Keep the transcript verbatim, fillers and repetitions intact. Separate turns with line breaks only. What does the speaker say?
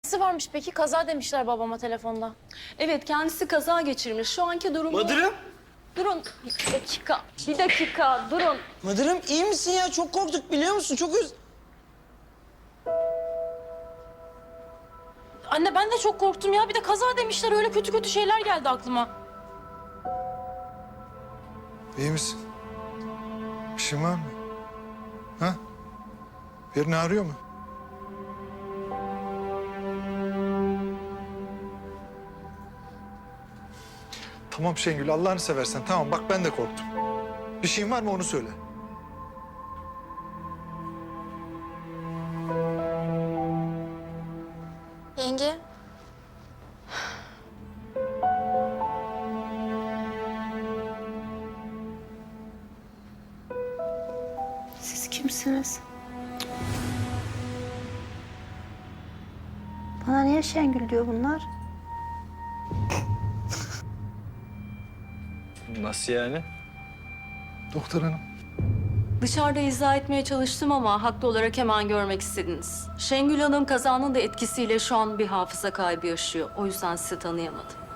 Nesi varmış peki? Kaza demişler babama telefonda.
Evet, kendisi kaza geçirmiş. Şu anki durumu...
Madırım.
Durun, bir dakika, bir dakika, durun.
Madırım iyi misin ya? Çok korktuk biliyor musun? Çok öz...
Anne ben de çok korktum ya. Bir de kaza demişler. Öyle kötü kötü şeyler geldi aklıma.
İyi misin? Bir şeyin var mı? Ha? Birini ağrıyor mu? Tamam Şengül, Allah'ını seversen. Tamam bak ben de korktum. Bir şeyin var mı onu söyle.
Yenge.
Siz kimsiniz? Bana niye Şengül diyor bunlar?
Nasıl yani?
Doktor hanım.
Dışarıda izah etmeye çalıştım ama haklı olarak hemen görmek istediniz. Şengül Hanım kazanın da etkisiyle şu an bir hafıza kaybı yaşıyor. O yüzden sizi tanıyamadım.